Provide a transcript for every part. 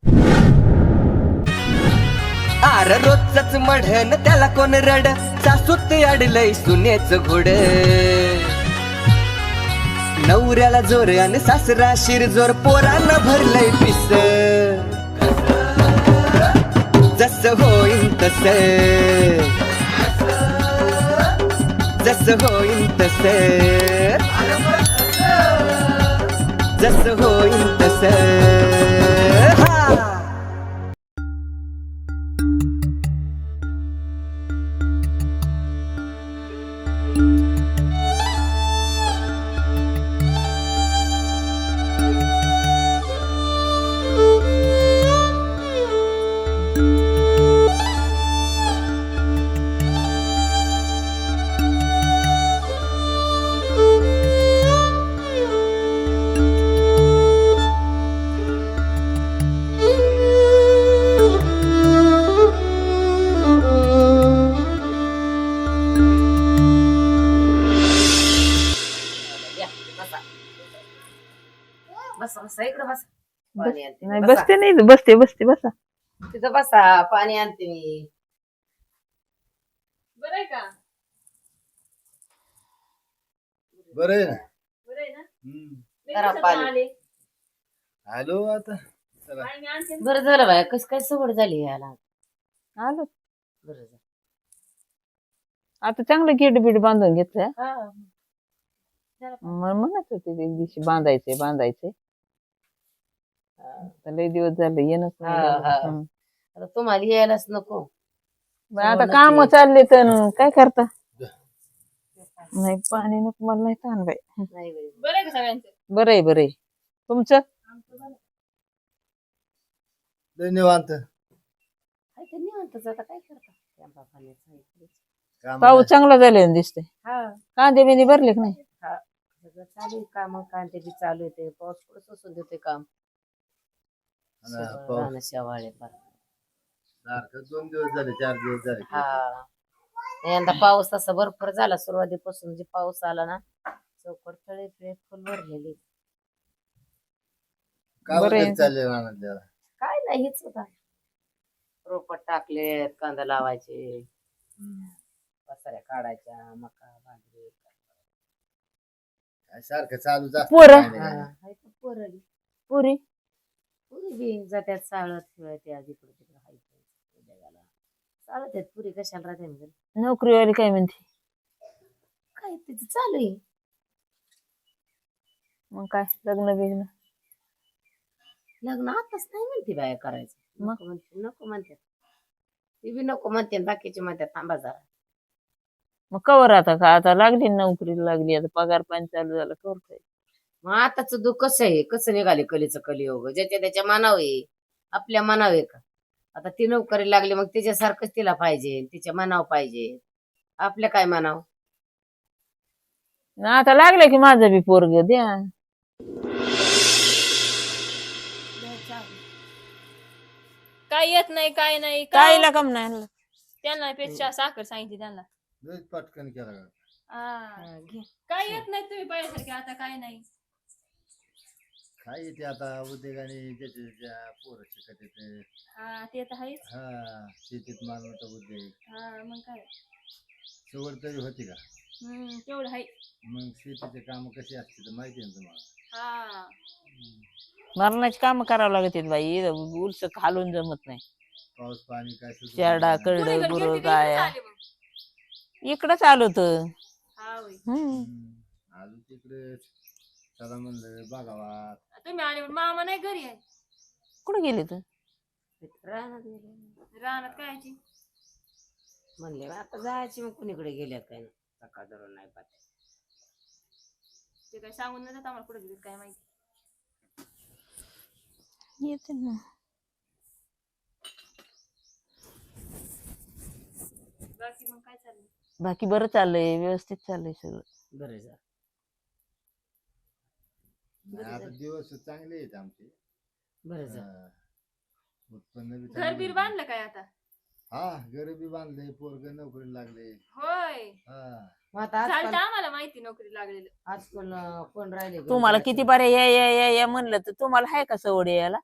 R रोजच मढन त्याला कोण रड सासूत अडलय सुनेच घोड नवऱ्याला जोर आणि सासरा शिरजोर पोरांना भरलंय पिस जस होईन तस जस होईन तस जस होईन तस बसा बसा इकडं बसा पाणी आणते नाही बसा. बसते नाही बसते बसते बसा तिथं बसा पाणी आणते मी बरं आहे का बरं आहे ना बरं आहे ना लई जरा दिवसातून पाणी. आले. आलो आता चला आणि मी आणते ना. बरं झालं बाय कस काय सवड झाली याला आलो बरं झालं. आता चांगलं गेट बीट बांधून घेतलं हा. म्हणत होते एक दिवशी बांधायचे बांधायचे आता लय दिवस झाले येणच नाही हा, झालं. हा. हम्म. आता तुम्हाला यायलाच नको मग आता नक्की. काम चालले तर काय करता नाही पाणी नको मला नाही ताण बाई नाही बाई. बरं आहे का सगळ्यांचं बरं आहे बरं आहे तुमचं आमचं बरं आहे. धन्यवाद काय ते निवांतच आता काय करता त्या बापानेच आहे. काम पाऊस चांगला झाले दिसते हा कांदे बिंदे भरले की नाही हा सगळं चालू आहे काम कांते बी चालू येते पाऊस पुढे सोसून देते काम पाऊस. राहणं शेवाळे पार. सारखं 2 दिवस झाले 4 दिवस झाले हा यंदा पाऊस तसा भरपूर झाला सुरुवातीपासून जे पाऊस आला ना चौकट तळे फिळे फुल भरलेली काय बरं आहे. वगैरे चालले रानात काय नाही हेच होता रोपट टाकलेत कांदा लावायचे पसाऱ्या काढायच्या मका बाजरी काय सारखं चालू जास्त पोरं. काय नाही. हाय तर पोरं पुरी पुरी बी जात्यात चालत फिरत या जिकडे तिकडे हाय जगाला चालत आहेत पुरी कशाला राहते म्हणजे नोकरीवाली काय म्हणते काय तिचं चालू आहे मग काय लग्न बिग्न लग्न आताच नाही म्हणते बाया करायचं मग? नको म्हणतात ती बी नको म्हणते आणि बाकीचे म्हणतात थांबा जरा मग कवर आता लागली ना नोकरीला लागली आता पगार पाणी चालू झाला कवर काय मग आताच दुःख कसं आहे कसं निघाले कलीचं कलियोग ज्याच्या त्याच्या मनाव आहे आपल्या मनाव आहे का आता ती नोकरी लागली मग तिच्यासारखंच तिला पाहिजे तिच्या मनाव पाहिजे आपल्या काय मनाव आता लागलं की माझं बी पोरग द्या काय येत नाही काय नाही कायला कम नाही आणलं? त्यांना पेक्षा साखर सांगितली त्यांना लयच पटकन केला का? हा. काय येत नाही तुम्ही पहिल्यासारखे आता काय नाही काय येते आता उद्योगाने ज्याच्या ज्याच्या पोरं शिकत येते हा ते तर आहेच हा शेतीत मालमत्ता उद्योग हा मग काय सवड तरी होती का तेवढं आहे मग शेतीचे काम कशी असते तर माहिती आहे ना तुम्हाला हा मरणाची काम करावं लागत बाई उलस खालून जमत नाही पाऊस पाणी काय सुचत शेरडा नाही. करड कोणीकडे गुर गेलते का गाया इकडंच आले मग? इकडंच आलो तर हा होय आलो तिकडे चला म्हणलं बघावा तुम्ही आले पण मामा नाही घरी आहे कुठे गेले तर रानात गेले. रानात कायची म्हणले बा, आता जायची मग कुणीकडे गेल्या काय नाही सकाळ धरून नाही पाहत ते काय सांगून नाही जात आम्हाला कुठे गेले काय माहिती येते ना बाकी मग काय चाललंय बाकी बरं चाललंय व्यवस्थित चाललंय सगळं बरं जा नाही, आता दिवस चांगले आहेत आमचे बरं जा हा. उत्पन्न बी घर चांगलं बीर आहे. बांधलं काय आता हा घर बी बांधले पोरग नोकरी लागले होय हा मग आता झालं आजकाल तर आम्हाला माहिती नोकरी लागलेलं आजकाल कोण राहिले घरी तुम्हाला जायचं? किती बरे या या या या म्हणलं तर तुम्हाला आहे का सवड यायला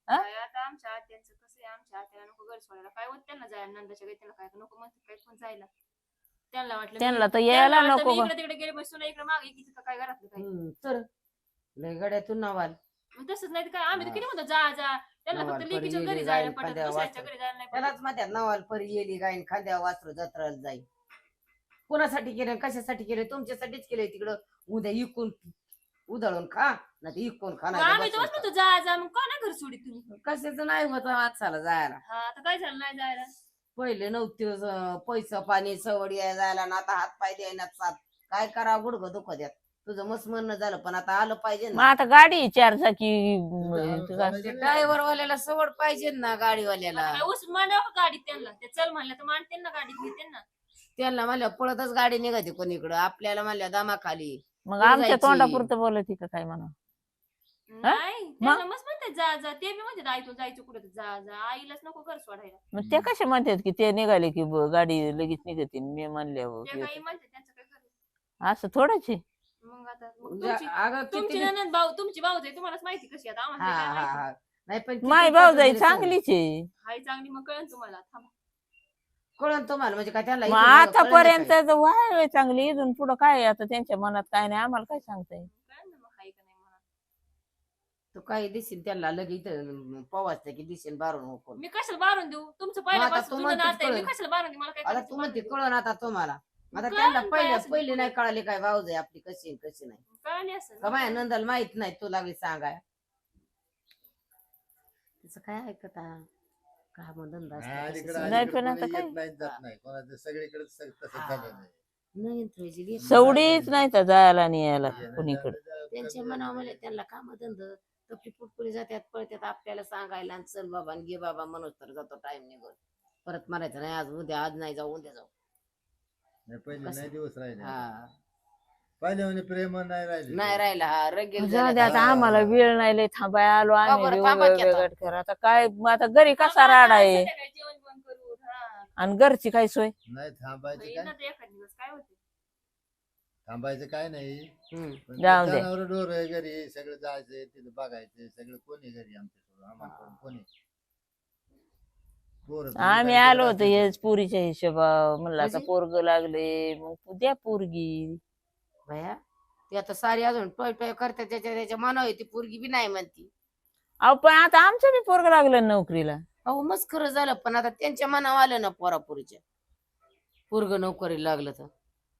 काय आता आमच्या आत्यांचं कसं आहे, आमच्या आत्याला नको घर सोडायला, काय होत त्यांना जायला नंदाच्या घरी, त्यांना काय नको म्हणतात काय कोण जायला. त्यांना वाटलं त्यांना तर यायला नको का? इकडे तिकडे गेले बसून इकडे मागे किती काय घरातलं काय. तर लय गड्यातून नवाल मग तसंच नाही तर काय, आम्ही तर किती म्हणतो जा जा, त्यांना नवाल फक्त परी लेकीच्या गेली, घरी जायला जाईल, पटत, खांद्या दुसऱ्याच्या वाचत. घरी जायला नाही त्यालाच पटत. म्हणतात नवाल परी येली गायन खांद्या वासरू जत्राला जाईल. कोणासाठी केलं कशासाठी केलं? तुमच्यासाठीच केलंय. तिकडं उद्या इकून उधळून खा नाही तर इकून खा मग नाही तर आम्ही तर बसून म्हणतो जा जा, मग का नाही घर सोडी तुम्ही. खा. कशाचं नाही होत माणसाला जायला. हा आता काय झालं नाही जायला. पहिले नव्हते पैसा पाणी सवड यायला जायला ना आता हात पाय द्यायला साथ. काय करा गुडघं दुखत द्यात. तुझं मस्त म्हणणं झालं पण आता आलं पाहिजे मग ना. आता गाडी 4 चाकी ड्रायव्हर वाल्याला सवड पाहिजे ना गाडीवाल्याला. काय उस मांडावं का गाडीत त्यांना, ते चल म्हणलं तर मांडते ना गाडीत घेते ना. त्यांना म्हणल्या पळतच गाडी निघाते कोणीकडं, आपल्याला म्हणल्या दमाखाली. मग कुठं आमच्या जायची? तोंडापुरतं बोलत का काय म्हणा? नाही त्यांना मस्त म्हणतात जा जा, ते बी म्हणतात आई तू जायचं कुठं तर जा जा, आईलाच नको घर सोडायला. मग ते कसे म्हणतात की ते निघाले की गाडी लगेच निघते मी म्हणल्यावर ते काही म्हणतात त्यांचं काय खरं. असं थोडंच आहे. मग आता मग म्हणजे अगं तुमची किती- ननद भाऊ, तुमची भाऊ जाई तुम्हालाच माहिती कशी आता, हा आम्हाला काय हा माहिती. हा नाही पण माय किती भाऊजाई पद्धतीने चांगलीच आहे. हाय चांगली, मग कळन तुम्हाला. थांबा. कळण तुम्हाला म्हणजे काय त्याला मग इथून मागं कळलं आतापर्यंत काय? तर व्हाय चांगली, इथून पुढं काय आता त्यांच्या मनात काय नाही आम्हाला काय सांगताय. कळन ना मग हाय का नाही म्हणा. तो काही दिसेल त्याला लगेच पवासते की दिसेल बारून होकून. मी कशाला बारून देऊ, तुमचं आता पहिल्यापासून तू जुनं म्हणतेस नातं आहे, मी कळन. कशाला बारून देऊ, मला काय आता करायचं तू बारून म्हणते देऊ. कळण आता तुम्हाला. आता कळण त्यांना काय पहिले असेल पहिले ते नाही कळाले काय भाऊजाई आपली कशी आहे, कशी नाही. कळली असेल का माझ्या नंदाला माहित नाही तू लागली सांगाय. तिचं काय ऐकता का मग धंदा असतो, अलीकडे कशाचं नाही, अलीकडे पण आता कोणी काय? येत नाही जात नाही कोणाचं सगळीकडे तसं झालेलं आहे. नाही तुझी लेक. सवडीच नाही तर जायला आणि यायला येणं कुणीकडे. जाणं जाणं त्यांच्या कमी मनावर आहे. त्यांना काम धंद तपली पुटपुरी जात्यात पळत्यात आपल्याला सांगायला आणि चल बाबा आणि घे बाबा म्हणून तर जातो टाइम निघून. परत मारायचं नाही आज उद्या, आज नाही जाऊ उद्या जाऊ. नाही, पहिले कसं? नाही दिवस राहिले हा पहिले म्हणे प्रेम नाही राहिले. नाही राहिला हा रगेल जाऊ दे झाला. आता आम्हाला वेळ नाही लय थांबाय आलो आम्ही बरं, बी थांबा की आता. वेगवेगळं करा. आता काय मग आता घरी कसा थांबा, राडा आहे संध्याकाळी जेवण बिवण करू. हा. आणि घरची काय सोय. नाही थांबायचं येईन काय ना ते एखाद दिवस, काय होते. थांबायचं काय नाही. हम्म. पण जाऊ दे. जनावर डोर घरी सगळं जायचं तिथं बघायचं सगळं कोणी घरी आमच्या आम्हाला कोणी पोरं तुम्ही आम्ही काय आलो करत होतो असाल? हेच पुरीच्या हिशोबा म्हणलं आता म्हणजे? पोरग लागले मग द्या पोरगी. भया ती आता सारी अजून टोय टोय करते त्याच्या मनावर ती पोरगी बी नाही म्हणती. अहो पण आता आमचं बी पोरग लागलं नोकरीला. अहो मस्त खरं झालं पण आता त्यांच्या मनावर आलं ना पोरापुरीच्या. पोरग नोकरीला लागलं तर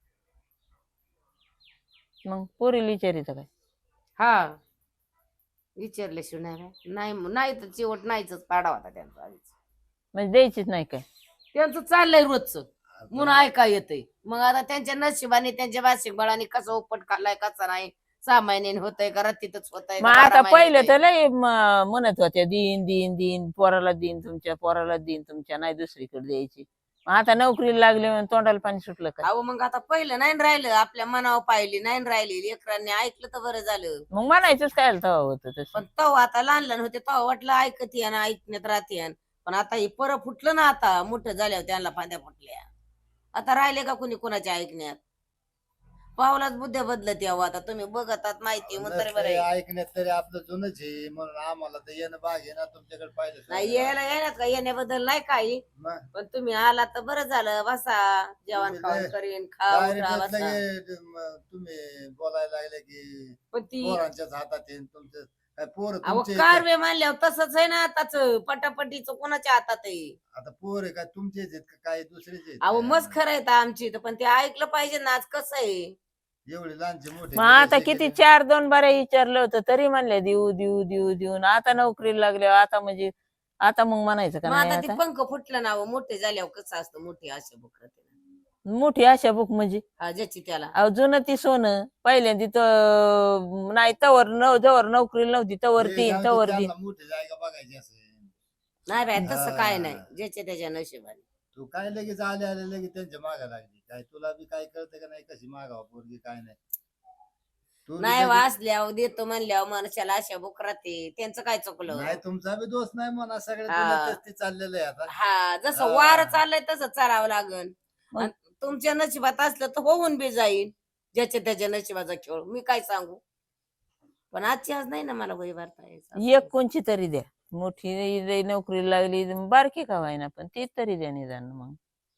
मग पोरीला विचारित काय. हा विचारल्याशिवाय नाही काय? नाही नाही तर चिवट नाहीच पाडा होता त्यांचा आधीच. म्हणजे द्यायचीच नाही काय. त्यांचं चाललंय रोजचं म्हणून ऐका येतंय. मग आता त्यांच्या नशिबाने त्यांच्या वार्षिक बळाने कसा उपट खाल्लाय कसा नाही 6 महिन्याने होतंय का रत्तीतच होतंय मग आता पहिलं तर लय म्हणत होत्या दिन दिन दिन पोराला दिन तुमच्या पोराला दिन तुमच्या नाही दुसरीकडे द्यायची. मग आता नोकरीला लागले म्हणून तोंडाला पाणी सुटलं का. अहो मग आता पहिलं नाही राहिलं आपल्या मनावर पाहिली नाही राहिली लेकरांनी ऐकलं तर बरं झालं. मग म्हणायचंच काय तेव्हा होतं तसं. पण तेव्हा आता लहान लहान होते तेव्हा वाटलं ऐकत ना ऐकण्यात राहते. पण आता हे परत फुटलं ना आता मोठं झाल्यावर त्यांना फांद्या फुटल्या. आता राहिले का कुणी कुणाच्या ऐकण्यात. पावलाच बुद्ध्या बदलत यावं आता तुम्ही बघतात माहिती मग तरी बरं नसतंय आहे. ऐकण्यात तरी आपलं जुनच आहे म्हणून आम्हाला तर येणं बाग आहे ना तुमच्याकडे पाहिलं नाही यायला येण्यात का येण्याबद्दल नाही काही मग पण तुम्ही आला तर बरं झालं. बसा जेवण तुम्ही खाऊन लय- करीन खा उठा डायरेक्टच बसा. लगे तुम्ही बोलायला लागले की पण ती पोरांच्याच हातात आहे तुमचं काय पोर अहो तुमचे कारवे मानल्यावर तसंच आहे ना आताच पटापटीच कोणाच्या हातात आहे. आता पोर आहे का तुमचेच आहेत का काय दुसरेच आहेत अहो का? मस्त खरं आहे आमची पण ते ऐकलं पाहिजे ना आज कसं आहे. एवढे लहानचे मोठे मग आता केले, किती केले. 4-2 बाऱ्या विचारलं होतं तरी म्हणले देऊ देऊ देऊ देऊन आता नोकरीला लागल्यावर आता म्हणजे आता मग म्हणायचं का मग नाही आता ते आता पंख फुटलं ना मोठे झाल्यावर कसं असतं मोठी आशा बुकरते मोठी आशा बुक म्हणजे हा ज्याची त्याला अहो जुनं ती सोनं पहिल्यांदा तर नाही तवर जवळ नोकरीला नव्हती तवर हे तीन जाऊ दे, तवर त्यांना तीन. मोठी जागा बघायची असेल नाही बाय तसं काय हा. नाही ज्याच्या त्याच्या नशिबाने. तू काय लगेच आले आले लगेच त्यांच्या मागा लागली काय तुला बी काय कळतं का नाही कशी मागावं पोरगी काय नाही तू बी नाही लगेच- वाचल्यावर देतो म्हणल्यावर मनुष्याला आशा बुक राहते त्यांचं काय चुकलं. नाही तुमचा बी दोष नाही म्हणा सगळ्या हा. दुनियेत तेच ते चाललेलं आहे आता हा जसं हा. वार चाललंय तसं चालावं लागल. मग- आणि तुमच्या नशिबात असलं तर होऊन बी जाईल ज्याच्या त्याच्या नशिबाचा खेळ मी काय सांगू. पण आजची आज नाही ना मला वही भरता यायचं. एक कोणची तरी द्या मोठी लई नोकरीला लागली बारकी का व्हायना पण ती तरी द्या निदान मग.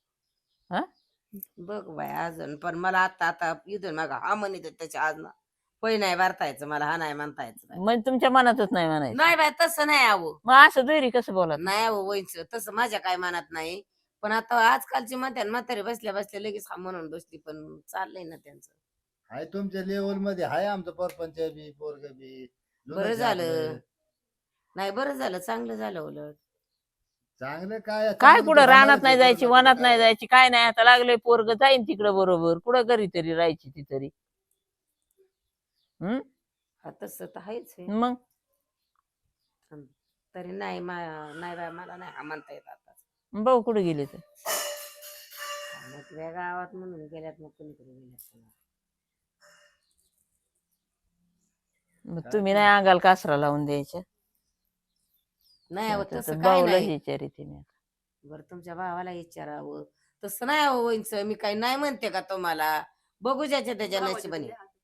बघ बाय अजून पण मला आता इथून मग हा म्हणत त्याच्या आज ना पै नाही वारतायचं मला हा नाही म्हणता यायचं नाही. म्हणजे तुमच्या मनातच नाही म्हणायचं. नाही बाय तसं नाही आहो मग असं दुहेरी कसं बोलत? नाही अहो व्हायचं तसं माझ्या काय मनात नाही. पण आता आजकालची म्हणते म्हातारी बसल्या बसल्या लगेच हा म्हणून बसली पण चाललंय ना त्यांचं. हाय तुमच्या लेवल मध्ये हाय आमचं परपंच बी पोरग बी. बरं लुनाचं झालं आपलं. नाही बरं झालं चांगलं झालं उलट. चांगलं काय काय चांगलं कुठं तर रानात होणारच नाही आहे, जायची पोराला वनात कुठं नाही काय. जायची काय नाही आता लागलंय पोरग जाईन तिकडं बरोबर कुठं घरी तरी राहायची ती तरी. हम्म हा तसं तर आहेच आहे. मग तरी नाही नाही बाय मला नाही हा म्हणता येत आता. भाऊ कुठे गेले तर? मग त्या गावात म्हणून गेल्यात मग कुणीकडे गेल्यात. मग काय तुम्ही ते? नाही अंगाला कासरा लावून द्यायच्या. नाही अहो तर तसं काय भाऊला नाही. विचारिते मी. बरं तुमच्या भावाला विचारावं तसं नाही हो वहिनीचं मी काही नाही म्हणते का तुम्हाला. बघू ज्याच्या त्याच्या भावाच्या नशिबाने. तुझ्या हातात.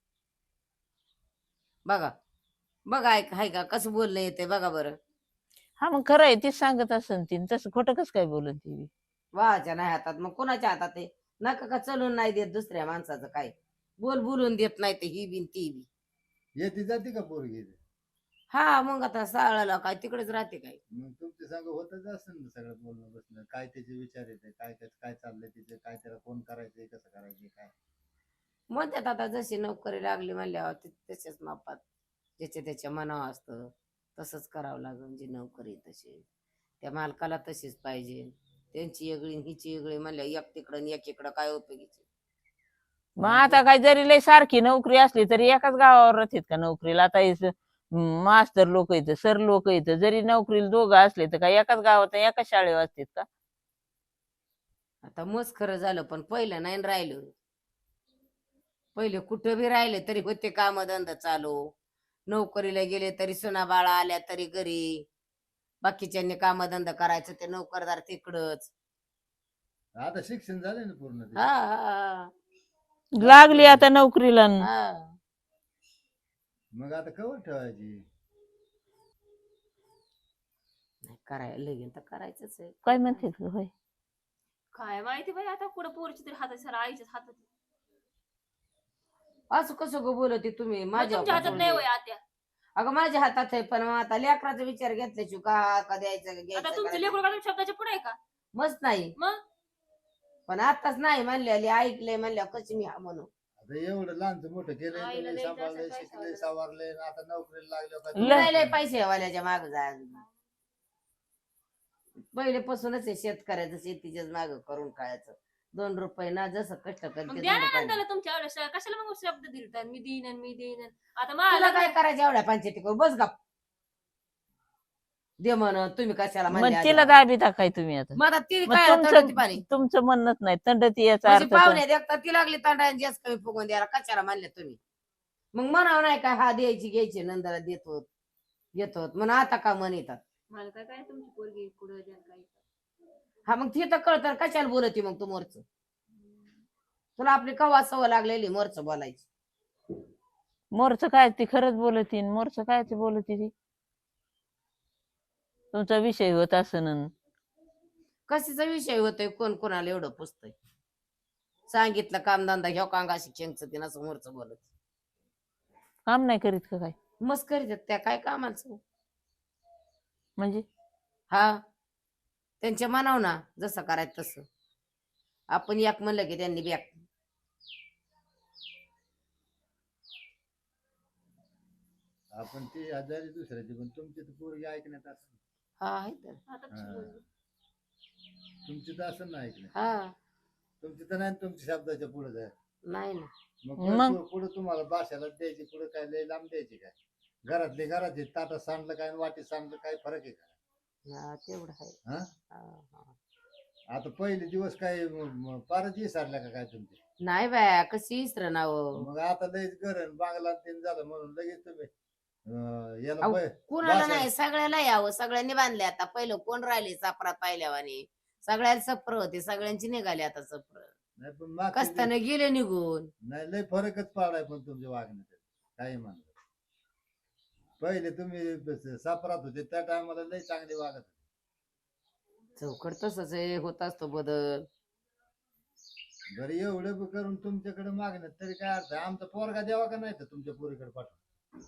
बघा बघा ऐक हाय का कसं बोलणं येते बघा बरं. हा मग खरं आहे तीच सांगत असन ती तसं खोटं कसं काय बोलत ती. वाच्या नाही हातात मग कोणाच्या हातात आहे. नका का चलून नाही देत दुसऱ्या माणसाचं काय बोलून देत नाही ते ही बिन ती बी. येते जाते का पोरगी? हा मग आता साळाला काय तिकडेच राहते काय. मग तुमच्या संग होतच असेल ना सगळं बोलणं बसणं काय त्याचे विचार येते काय काय चाललंय तिथे काय त्याला कोण करायचंय कसं करायचंय काय. म्हणतात आता जशी नोकरी लागली म्हणल्यावर तसेच मापात ज्याच्या त्याच्या मनावर असतं तसंच करावं लागेल. जी नोकरी तशी त्या मालकाला तशीच पाहिजे. त्यांची वेगळी हिची वेगळी म्हणल्या एक तिकडं आणि एक इकडं काय उपयोगीचे. मग आता काय जरी लय सारखी नोकरी असली तरी एकाच गावावर राहतात का नोकरीला? आता मास्तर लोक येतं सर लोक येतं जरी नोकरीला दोघं असले तर काय एकाच गावात एकाच शाळेवर असतात का? आता मस्त खरं झालं पण पहिलं नाही राहिलं. पहिले कुठं बी राहिले तरी होते काम धंदा चालू. नोकरीला गेले तरी सुना बाळा आल्या तरी घरी. बाकीच्यांनी काम धंदा करायचं ते नोकरदार तिकडच. आता शिक्षण झालंय ना पूर्ण ते. हा हा लागली आता नोकरीला न. हा मग आता कवर ठेवायची. नाही करायला लगीन तर करायचंच आहे. काय म्हणते होय काय माहिती बाई आता कुठं पोरची तरी हातात सर आईच्याच हातात. असं कसं ग बोलते तुम्ही मग माझ्या तुमच्या हातात नाही होय आत्या. अगं माझ्या हातात आहे पण मग आता लेकराचा विचार घेतल्याची का द्यायचं आता घ्यायचं तुमचं करायचं. लेकरू का तुमच्या शब्दाच्या पुढे आहे का? मस्त नाही मग पण आताच नाही म्हणले ऐकलंय म्हणल्या कशी मी हा म्हणू. आता एवढं लहानचं मोठं केलंय आईला तुम्ही द्यायचं सांभाळलंय असेल शिकले पैसा सवारले आता नोकरीला लागले का लय- लय पैसे वाल्याच्या माग जा पहिलेपासूनच आहे शेतकऱ्याचं शेतीच्याच माग करून खायचं. 2 रुपये ना जसं कष्ट मग करते द्या 2 ना रुपये नंदाला तुमच्या एवढ्या कशाला मग शब्द दिलतात मी देईन आणि मी देईन आता तुला मला काय करायचं एवढ्या पंचायती करू बस गप. दे म्हण तुम्ही कशाला मग म्हणले तिला आधी? दाबी टाकाय तुम्ही आता. मग आता ती मग काय तंडती पाणी तुमचं तुमचं म्हणणंच नाही तंडती याचा म्हणजे अर्थ पाहुणे देखता ती लागली तांडायला जास्त कमी फुगून द्यायला कशाला म्हणले तुम्ही. मग म्हणावं नाही काय हा द्यायची घ्यायची नंदाला देतो म्हणून आता का म्हण येतात. मला काय काय तुमची पोरगी कुठं द्या काय. हा मग ती तर कळतं कशाला बोलती मग तू मोरच. तुला आपली कवा सवय लागलेली मोरच बोलायची. मोरचं काय ती खरंच बोलती मोरचं काय ते बोलती ती तुमचा विषय होत असं. कशाचा विषय होतोय कोण कोणाला एवढं पुसतय. सांगितलं कामधंदा ह्यो कांगा शिक्षणचं ते नसं मोरच बोलत. काम नाही करीत का काय मस्त करीत त्या काय कामाचं. म्हणजे हा त्यांच्या मनाव ना जसं करायचं तसं. आपण एक म्हणलं की त्यांनी बॅक. आपण ती आजारी दुसऱ्याची पण तुमची तर पोरगी ऐकण्यात असेल. हा आहे तर आता कशी हा. बोलली? तुमची तर असेल ना ऐकण्यात. हा तुमची तर नाही तुमच्या शब्दाच्या पुढे जाय. नाही ना मग? पुढे तुम्हाला भाषाला द्यायची पुढे काय लय लांब द्यायची काय. घरातले घरात ताटात सांडलं काय आणि वाटीत सांडलं काय फरक आहे का? हा, तेवढं आहे. हा हा, हा. आता पहिले दिवस काय फारच विसरल्या का काय तुमचे? नाही बाया कशी इसर नाव मग आता लयच गरण बांगला तीन झालं म्हणून लगेच तुम्ही याला अहो, कुणाला भाषा- नाही सगळ्याला यावं सगळ्यांनी बांधले आता पहिलं कोण राहिले सापरात पाहिल्यावानी सगळ्याला सप्र होते सगळ्यांची निघाली आता सप्र नाही पण मागचे कस्ताने गेले निघून. नाही लय फरकच पडलाय पण तुमच्या वागण्यात काही म्हणलं पहिले तुम्ही सापरात होते त्या टायमाला लय चांगले वागत होते. चौकट तसंच आहे, होत असतो बदल. बरं एवढं करून तुमच्याकडे मागण्यात तरी काय अर्थ आहे? आमचा पोरगा द्यावा का नाही तर तुमच्या पोरीकडे पाठवा.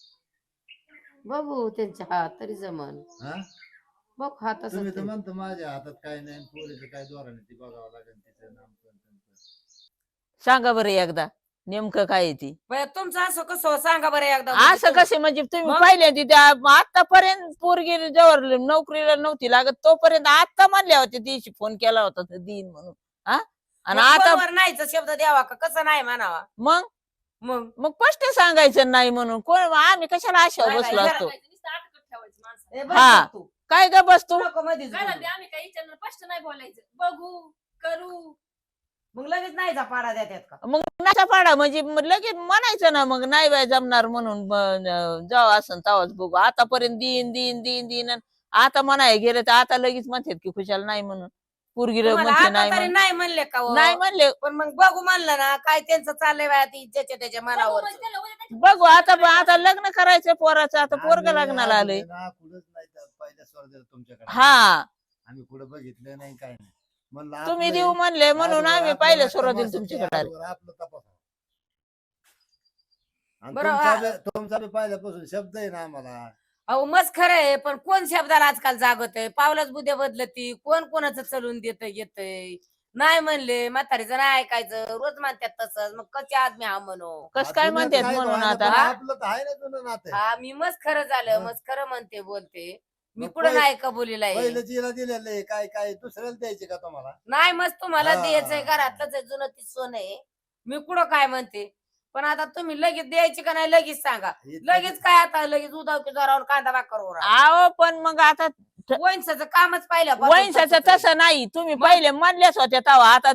बघू त्यांच्या हात तरी जमन. हा बघ हात तुम्ही तर असं म्हणतो माझ्या हातात काय नाही पोरीचं काय धोरण आहे ती बघावं लागेल तिचं नाम सांगा बरं एकदा नेमकं काय आहे ती. तुमचं असं कसं सांगा बरं एकदा. असं कसे म्हणजे तुम्ही मग? पहिल्यांदा त्या आतापर्यंत पोरगी जवळ नोकरीला नव्हती लागत तोपर्यंत आता म्हणल्या होत्या दिवशी फोन केला होता तर देईन म्हणून. हा आणि आता नाहीच शब्द द्यावा का कसं नाही म्हणावा. मग मग मग स्पष्ट सांगायचं नाही म्हणून कोण आम्ही कशाला आशा नाही, बसलो नाही, असतो. नुसतं अटकत ठेवायचं माणसाला. ए, बस हा. तू. काय ग बसतो नको मधीच काय बोलू. म्हणते आम्ही काही विचारणार स्पष्ट नाही बोलायचं, बघू करू. मग लगेच नाही जा पाडा देतात का. मग नाचा पाडा म्हणजे मग लगेच म्हणायचं ना मग नाही बाय जमणार म्हणून जावं असं तवाच बघू. आतापर्यंत दिन दिन दिन दिन आता म्हणाय गेलं तर आता लगेच म्हणतात की खुशाल नाही म्हणून पोरगी तुम्हाला म्हणते आता नाही तरी म्हणून. नाही म्हणले का हो? नाही म्हणले पण मग बघू म्हणलं ना काय त्यांचं चाललंय बाया ती ज्याच्या त्याच्या बघू मनावर. म्हणजे त्याला उद्या त्याची बघू आता लग्न करायचं पोराचं आता पोरग लग्नाला आलंय. कुठंच नाही तर पहिल्या स्वर्गाला तुमच्याकडे हा आम्ही कुठं बघितलं नाही काय नाही म्हणलं तुम्ही आपलं देऊ म्हणले म्हणून आजवर आम्ही आपलं पहिले नातं सुरुवातीला मस्त तुमच्याकडे आलो. आजवर आपलं तपासावं. आणि बरं, तुमचा बी पहिल्यापासून शब्द आहे ना आम्हाला. अहो मस्त खरं आहे पण कोण शब्दाला आजकाल जागत आहे. पावलाच बुद्ध्या बदलती कोण कोणाचं चलून देत येतय. नाही म्हणले म्हातारीचं नाही ऐकायचं रोज म्हणतात तसंच मग कसे आदमी हा म्हणू. कस काय जुनं म्हणतात काय म्हणून व्हायला आता पण हा? आपलं तर आहे ना जुनं नातं. हा मी मस्त खरं झालं मग? मस्त खरं म्हणते बोलते. मी मग कुठं नाही कबुलीला आहे. पहिलं जिला दिलेलं आहे काय काय दुसऱ्याला द्यायचे का तुम्हाला? नाही मस्त तुम्हाला हा. द्यायचंय घरातलंच आहे, जुनं ती सोनं आहे. मी कुठं काय म्हणते पण आता तुम्ही लगेच द्यायची का नाही लगेच सांगा. लगेच काय आता लगेच उदाव की जरावर कांदा भाकर आहो पण मग आता वैंसाचं कामच पाहिलं वैंसाचं तसं नाही. तुम्ही पहिले म्हणल्याच होत्या तेव्हा आता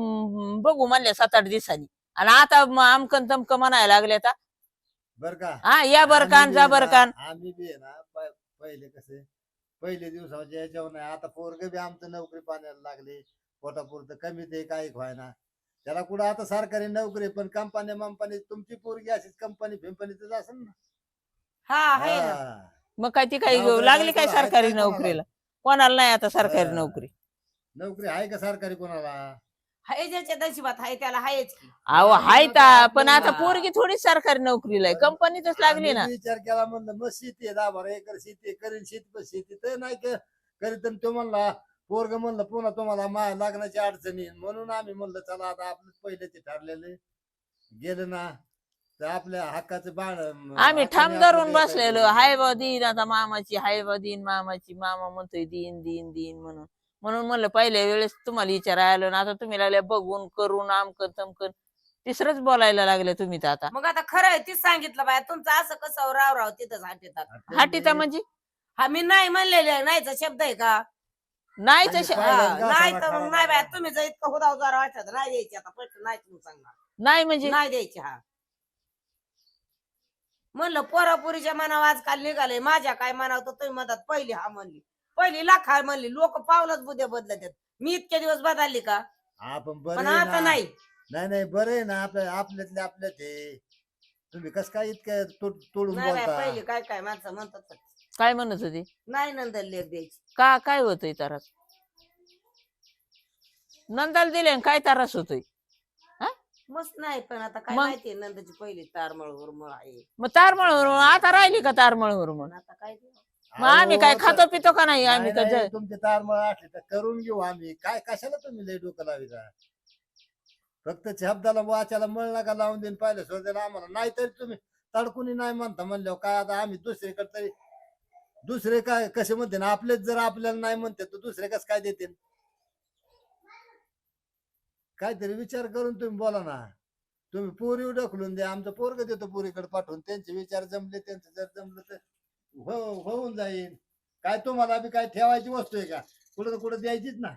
बघू म्हणल्या 7-8 दिवसांनी आणि आता आमकन तमकन म्हणायला लागले आता. बर का हा या बर कान जा बर कान. आम्ही बी आहे ना पहिले कसे पहिले दिवसाच्या याच्यावर नाही आता पोरग बी आमचं नोकरी पाण्याला लागले पोटापुरतं कमी ते काही व्हायना त्याला कुठं आता सरकारी नोकरी पण कंपनी तुमची पोरगी अशीच कंपनी फिंपनीतच असेल ना. हा आहे ना. हा. मग काय ती काही नोकरी लागली काय कोणाला? सरकारी आहे का कोणाला? नोकरीला कोणाला नाही आता सरकारी हा. नोकरी. नोकरी आहे का सरकारी कोणाला? हाय ज्याच्या नशिबात हाय त्याला हायच की. अहो हाय नोकरी ता आपली पण आता ना. पोरगी थोडी सरकारी नोकरीला आहे कंपनीतच लागली ना. आम्ही विचार केला म्हणलं मग शेती आहे 10-12 एकर शेती आहे, करीन शेती पण शेती तर नाही करीत आणि तो म्हणला पोरग म्हणलं पुन्हा तुम्हाला लागण्याची अडचणी येईल. म्हणून आम्ही म्हणलं चला आता आपलं पहिलं ते ठरलेलं गेलं ना तर आपल्या हक्काचं बाण आम्ही ठाम धरून बसलेलो हाय बा दिन आता मामाची हाय बा दिन मामाची मामा म्हणतोय दिन दिन दिन म्हणून म्हणून म्हणलं पहिल्या वेळेस तुम्हाला विचारायला आलो ना आता तुम्ही लागले बघून करून आमकन तमकन तिसरंच बोलायला लागले तुम्ही तर आता. मग आता खरं आहे तीच सांगितलं बाय तुमचं असं कसं राव तिथंच हाटेतात. हाटीता म्हणजे हा मी नाही म्हणलेले नाहीचा शब्द आहे का. नाही आणि तसे पहिल्यांदा हा, नाही असा तर मग खरा नाही बाय खरा. तुम्ही जर इतकं हुदाव जरा वाटत नाही द्यायची आता पटकन नाही तुम्ही सांगणार नाही म्हणजे नाही द्यायची. हा म्हणलं पोरापुरीच्या मनावर आजकाल निघाले माझ्या काय म्हणावं तर तुम्ही म्हणतात पहिली हा म्हणली पहिली लाख हा म्हणली लोक पावलंच बुद्ध्या बदलत मी इतके दिवस बदलली का आपण पण बरं आता नाही. नाही बरं आहे ना आपल्यातले आपल्यात आहे. तुम्ही कस काय इतकं तोडून नाही बाय बोलता? पहिली काय काय माणसं म्हणतात काय म्हणत होती नाही नंतर लेख द्यायची. काय होतंय तारास नंदाला दिले आणि काय तारास होतोय. मस्त नाही पण आता काय मग? माहितीये नंदाची पहिली तारमळ हुरमळ आहे. मग तारमळ आता राहिली का तारमळ म्हणून पण आता काय ते? मग आम्ही काय अहो, खातो पितो का नाही नाही, आम्ही नाही, का तुमचे तारमळ असले तर करून घेऊ आम्ही काय कशाला तुम्ही लय डोकं लाविता. फक्त शब्दाला वाचायला मळ नका लावून देईन पाहिलं शोधायला आम्हाला नाहीतरी तुम्ही तडकुनी नाही म्हणता म्हणल्यावर काय आता आम्ही दुसरीकडे तरी दुसरे काय कसे म्हणते ना आपलेच जर आपल्याला नाही म्हणते तर दुसरे कसं काय देते. काहीतरी विचार करून तुम्ही बोला ना. तुम्ही पोरी ढकलून द्या आमचं पोरग देतो पोरीकडे पाठवून त्यांचे विचार जमले त्यांचं जर जमलं तर होऊन जाईल. काय तुम्हाला बी काय ठेवायची वस्तू आहे का कुठं तर कुठं द्यायचीच ना.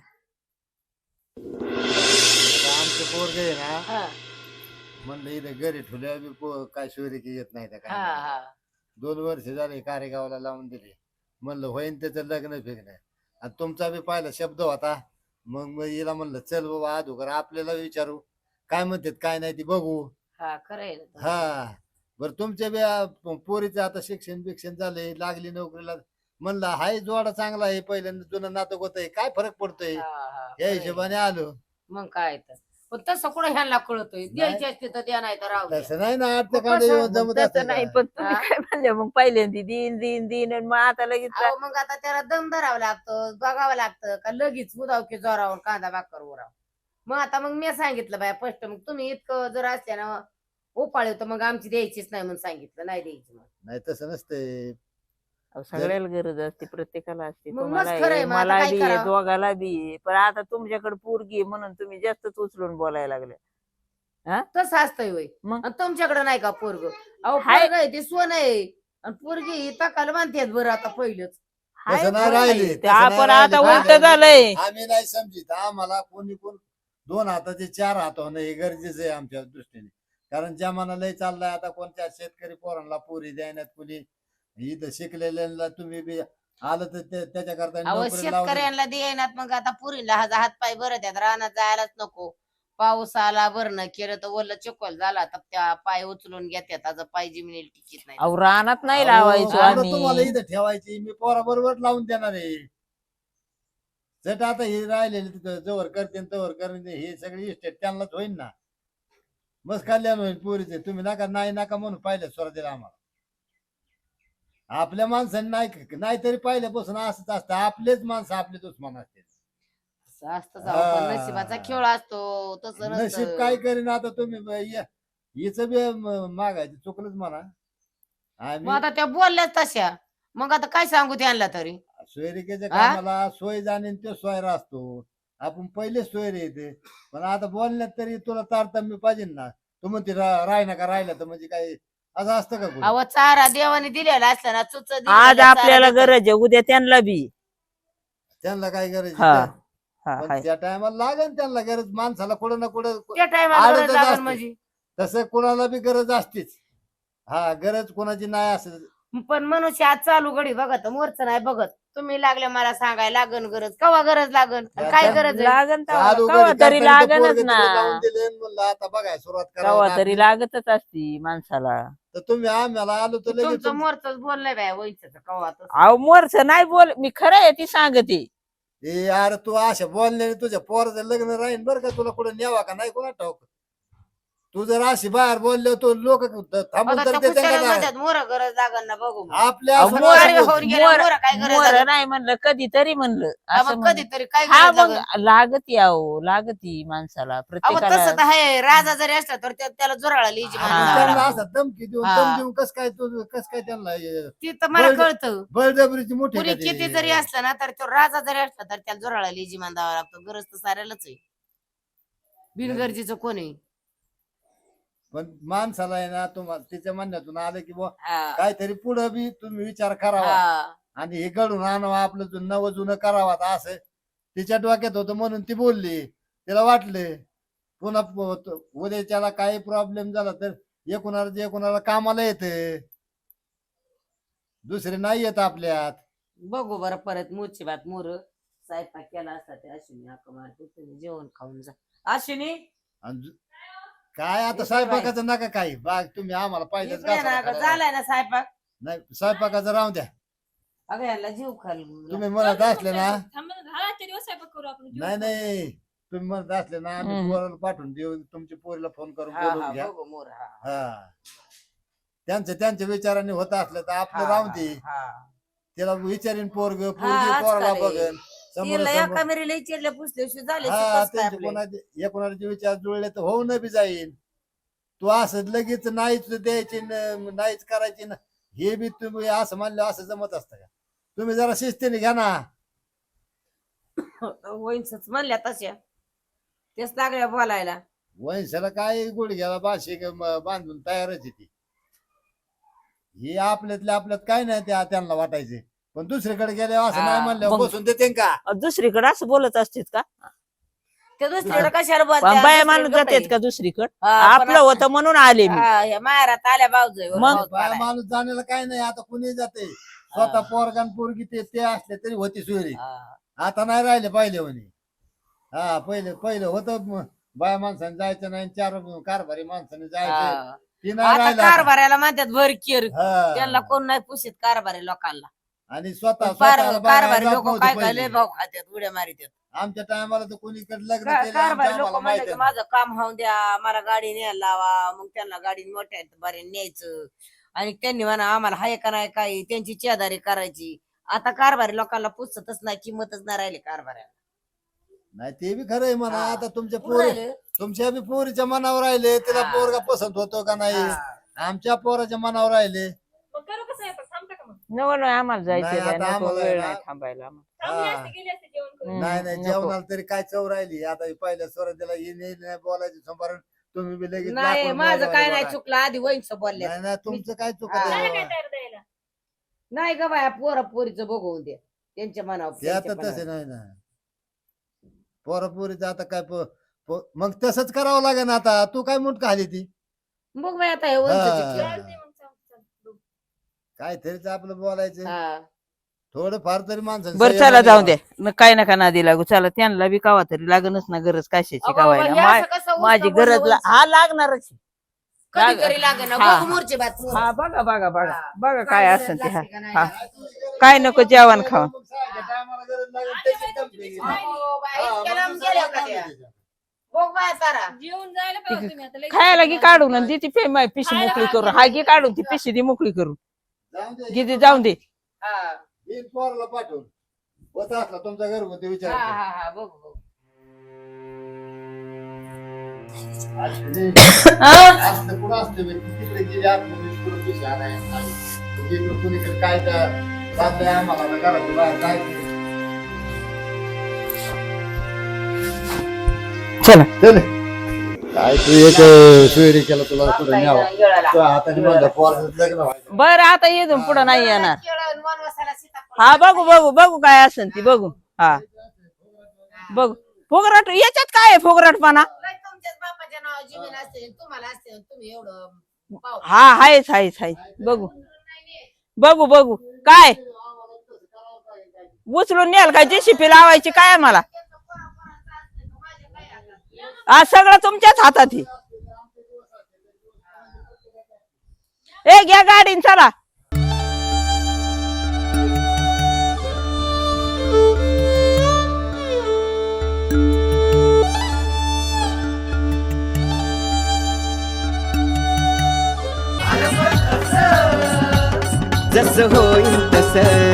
आमचं पोरग आहे ना हा, म्हणलं इथं घरी ठेवल्यावर बी काय सोयरीकी येत नाही त्या हा, काय हा. 2 वर्ष झाले कारेगावला लावून दिले म्हणलं होईन त्याचं लग्न फिरणं आणि तुमचा बी पहिला शब्द होता. मग हिला म्हणलं चल बाबा अधोगर आपल्याला विचारू काय म्हणतात काय नाही ती बघू. हा खरं आहे ना. हा बरं तुमच्या पोरीचं आता शिक्षण झालंय, लागली नोकरीला, म्हणलं हाय जोडा चांगला आहे, पहिल्यांदा जुनं नातं होत आहे, काय फरक पडतोय हा, हा, या खरंय. हिशोबाने आलो. मग काय तर पण तसं कुठं ह्यांना कळतोय द्यायची असते तर द्या नाही तर राहू द्या. तसं नाही ना, मग आटकांड कसं? येऊन जमत तसं असतं नाही का? पण तुम्ही हा? काय म्हणले मग पहिल्यांदा दिन दिन दिन आणि मग आता लगेच अहो, मग आता त्याला दम धरावं लागतं, बघावं लागतं का लगेच उदाव की जोरावर कांदा भाकर उराव. मग मी सांगितलं बाया स्पष्ट, मग तुम्ही इतकं जर असल्या ना उपाळे तर मग आमची द्यायचीच नाही म्हणून सांगितलं, नाही द्यायची मग. नाही तसं नसतंय. अहो, सगळ्याला गरज असते, प्रत्येकाला असते, मग तुम्हाला मस्त खरंय, आहे, मग आता मला काय बी आहे, करावं? दोघाला बी आहे. पण आता तुमच्याकडे पोरगी आहे म्हणून तुम्ही जास्तच उचलून बोलायला लागले. तसं असतंय होय. मग आणि तुमच्याकडे नाही का पोरग? अहो हाय. पोरग आहे ते सोनं आहे आणि पोरगी ही तकाल मानतेत बरं आता पहिलंच. हाय तसं नाही बरं राहिले, नाही. ते तसं नाही आपण राहिले. आता काय उलट झालं? झालंय. आम्ही नाही समजित, आम्हाला कोणी कोण 2 हाताचे 4 हात होणं हे गरजेचं आहे आमच्या दृष्टीने. कारण जमाना चाललाय आता, कोणत्या शेतकरी पोरांना पोरी द्यायनात, कुणी इथं शिकलेल्यांना तुम्ही बी आलं तर त्याच्याकरता अहो नोकरी लावली. शेतकऱ्यांना देईनात, मग आता पुरीला हात पाय बरं त्यात रानात जायलाच नको. पाऊस आला भरणं केलं तर ओलं चिखल झाला तर त्या पाय उचलून घेतात, आज पाय जिमिनीला टिकीत नाही. अहो रानात नाही अहो, लावायचो कुठं तुम्हाला आम्ही. इथं ठेवायची, मी पोराबरोबर लावून देणार आहे. जट आता हे राहिलेले तिथं जवळ करते तवर करते, हे सगळे इस्टेट त्यांनाच होईल ना, बस कल्याण होईल पोरीचे. तुम्ही नका म्हणून पाहिलं स्वराज्याला आम्हाला. आपल्या माणसांनी नाही तरी पहिल्यापासून असंच असतं, आपलेच माणसं आपले दुश्मन असते. असं असतं जाऊ, पण हा. नशिबाचा खेळ असतो तसं नशीब नसतं. काय करीन आता तुम्ही हिचं बी मागायचं चुकलंच म्हणा. मग आम्ही आता त्या बोलल्याच तशा, मग आता काय सांगू त्यांना तरी. सोयरिकेच्या हा? कामाला सोय जाणे तो सोयरा असतो, आपण पहिले सोयरे येते. पण आता बोलण्यात तरी तुला तारतम्य पाहिजे ना. तू म्हणते राहिना का राहिला तर म्हणजे काय असं असतं का कुठं? अहो चारा देवाने दिलेला असला ना चुच आज आपल्याला गरज आहे, उद्या त्यांना बी. त्यांना काय गरज हा आहे? हा पण हाय. त्या टायमाला लागेल त्यांना गरज, माणसाला कुठं ना कुठं त्या टायमाला आडतच लागल असते. म्हणजे. तसं कोणाला बी गरज असतेच. हा, गरज कोणाची नाही असं. पण मनुष्य आज चालू घडी बघत, मोरच नाही बघत. तुम्ही लागले मला सांगायला लागन गरज, कवा गरज लागन आणि काय गरज आहे? लागन चालू कवा घडी तरी करताना तो लागनच पोरगं ना. तिला लावून दिले आणि म्हणलं आता बघाय सुरुवात कवा करावं तरी लागली. लागतच असती माणसाला. तर तुम्ही आम्हाला आलो तर लगेच तुमचं मोरच बोललंय बाय वयच कवा तसं. अहो मोरच नाही बोल, मी खरं आहे ती सांगते. अरे तू अशा बोलल्याने तुझ्या पोराचं लग्न राहीन बरं का, तुला कुठं न्यावा का नाही कोणा ठाऊक. तू जर अशी बाहेर बोललो तो लोक थांबून आता तर त्या देते कुशाला का नाही? म्हणतात मोर गरज लागन ना बघू मग. आपल्या अहो, असं मोर- असं गाडीवर बोलतो. होऊन गेल्या मोर काय गरज मोर लागन? नाही म्हणलं, कधीतरी म्हणलं हा, असं मग म्हणलं. कधीतरी काय हा गरज मग लागन? लागती अहो, लागती माणसाला अहो प्रत्येकाला. तसं तर आहे, राजा जरी असला तर त्याला जोराळा लिहिजी हा. माणूस त्यांना लावावा असं लागतो. धमकी देऊन हा. दम देऊन कस काय त्यांना ती तर मला बळ- कळतं. बळजबरीची मोठी पुरी का ती? किती जरी असला ना तर तो राजा जरी असला तर त्याला जोराळा लिहिजी मान द्यावा लागतो. गरज तर साऱ्यालाच आहे, बिनगरजेचं कोण आहे? पण माणसाला आहे ना, तुम्हाला तिच्या म्हणण्यातून आलं की बुवा हा. काहीतरी पुढं बी तुम्ही विचार करावा हा. आणि हे घडून आणावं, आपलं नवं जुनं करावं. आता असं तिच्या डोक्यात होतं म्हणून ती बोलली, तिला वाटले पुन्हा उद्याच्याला काही प्रॉब्लेम झाला तर एकुणाला कामाला येते, दुसरे नाही येत आपल्यात. बघू बरं परत मोरची बात. मोर स्वयंपाक केला असता ते अश्विनी हाक मारते, तुम्ही जेवण खाऊन जा. अश्विनी आणि काय आता इकडे स्वयंपाकाचं नका काही बाग, तुम्ही आम्हाला पाहिजेच इकडे ना गं, झालाय ना स्वयंपाक. नाही स्वयंपाकाचं राहून द्या. अगं याला जीव खाल. तुम्ही म्हणत असले ना, थांबा ना, हा, आजच्या दिवस स्वयंपाक करू आपण. नाही नाही तुम्ही म्हणत असले ना, आम्ही हम्म. पोराला पाठवून देऊ, तुमच्या पोरीला फोन करून हा बोलवून हा घ्या. बघू मोर. हा हा, त्यांच्या विचाराने होत असलं तर आपलं हा, राहून दे. हा. त्याला विचारीन पोरगी आजकाल पोराला आहे. बघन समोर तिला एका मेरीला विचारल्या पुसल्याशी झाले हा, सुखास काय त्यांचे आपले. एकोणाचे विचार जुळले तर होऊन बी जाईल. तू असं लगेच नाहीच द्यायची नाहीच करायची ना, हे बी तुम्ही असं म्हणलं असं जमत असतं का? तुम्ही जरा शिस्तीने घ्या ना. वहिनीच म्हणल्या तशा तेच लागल्या बोलायला. वंशाला काय गुडघ्याला बाशी बांधून तयारच आहे ती. ही आपल्यातल्या आपल्यात काय नाही त्यांना वाटायचे, पण दुसरीकडे गेल्यावर असं हा, नाही म्हणल्यावर मग- बसून देते का? दुसरीकडे असं बोलत असतेत का? ते दुसरीकडे कशाला बोलत्या? बाया दुसरी माणूस गप्प आहे. जातेत का दुसरीकडे? हा, पण आपलं होतं म्हणून आले मी. हा, या माहेरात आल्या बावजय मग? बाया माणूस जाण्याला काय नाही, आता कुणी जाते. स्वतः पोरगान पोरगी ते असले तरी होती सोयरी. आता नाही राहिले पहिले म्हणे. हा, पहिले होतं बाया माणसाने जायचं नाही, 4 कारभारी माणसाने जायचं. ती नाही आता राहिला. कारभाराला म्हणतात भर केर हा. त्यांना कोण नाही पुशीत कारभारी लोकांना आणि स्वतः स्वतःला बाहेर कारभारी जात लोक नव्हते काय पहिले. लय भाव खात्यात उड्या मारितात आमच्या टायमाला तर कोणीकडे लग्न केले आमच्या कारभारी लोक आम्हाला म्हणलं माहिती की आहे. माझं काम होऊन द्या मला गाडी न्यायला लावा मग त्यांना गाडी मोठ्या बरे न्यायचं आणि त्यांनी म्हणा आम्हाला हाय का नाही काही त्यांची चेदारी करायची आता कारभारी लोकांना पुसतच नाही किंमतच नाही राहिली कारभाऱ्याला नाही ते बी खरं आहे म्हणा. हा. आता तुमच्या कुठं पोरी राहिलं? तुमच्या बी पोरीच्या मनावर राहिले तिला हा. पोरगा पसंत होतो का नाही हा. आमच्या पोराच्या मनावर राहिले. मग करू कसं आहे आता? थांबता का मग? नको नाही आम्हाला नाही, जायचं आता आम्हाला वेळ ना- नाही थांबायला आम्हाला. थांबले हा. असते, गेले असते जेवण करून. हम्म, नाही नाही नको. जेवणाला तरी काय चव राहिली. आता हे पहिल्या स्वराज्याला नाही बोलायची संभारण तुम्ही बी लगेच नाही लाकूड माझं मोजायला काय नाही बघा. चुकलं आधी वैंच बोलल्या नाही नाही तुमचं काय चुकत हा. झालं आहे काय बाबा. तयार द्यायला? नाही ग बाया पोरीचं बघून दे त्यांच्या मनावर ते आता त्यांच्या तसे मनावर. नाही ना पोरापोरीचं आता काय मग तसंच करावं लागेल आता. तू काय मुठ खाली ती बघ बाई आता हे हा. वंचच चालतंय केलं. मग, चालतंय. काय तरीच आपलं बोलायचं हा. थोडं फार तरी माणसं बरं चला जाऊ द्या न काय नका नादी लागू चला त्यांना बी कावा तरी लागणच ना गरज कशाची अगं कावायला बाबा, हे असं कसं उचका माझी बोललं गरज वंच? हा लागणारच कधीतरी लागेल ना हा. बघ मोरची बात पोरं. हा बघा बघा बघा हा. बघा काय गरज असेल ते हा लागते का नाही हा. लागत? काय नको जेवण खावं मग सहाच्या टायमाला गरज लागेल त्याची कंपनी घेऊ. अहो, बाई, हा, इतक्या मग लांब दुसरं गेल्या काय का काम त्या? आहे त्याच्यात? बघ बाया तारा जेवून जायला पाहिजे तुम्ही आता. लई खायला दिवस की झाले. काढून आणि ती पिशी खायला मोकळी काय करून केलं? हा घे काढून ती पिशी ती मोकळी करून जाऊन दे. गिदी जाऊन दे हा येईल पोराला पाठवून होता असला तुमचा घरगुती विचार हा कर. हा हा बघ बघ असते असतं कुठं असतं बे? ती तिकडे गेली आतमध्ये कुठं पिशवी आणायला. इकडं कुणीकडे काय तर चाललंय आम्हाला आता घराच्या बाहेर काय ते. चला चल काय तू एक सोयरी केला तुला कुठं न्यावं येळाला. तुझ्या हाताने माझ्या पोराचं लग्न व्हायचं. बरं आता येतो पुढं नाही येणार केळं, वनवासाला सीताफळ. हा बघू बघू बघू काय असेल ती बघू हा बघू फुगराट याच्यात काय आहे फुगराटपणा लय तुमच्याच बापाच्या नावावर जमीन असते तुम्हाला असते तुम्ही एवढं पाव. हा आहेच आहेच आहेच बघू बघू बघू काय उचलून न्याल काय जेसीपी लावायची काय आहे मला आज सगळं तुमच्याच हातात आहे. ए घ्या गाडीन चला जसं होईल तसं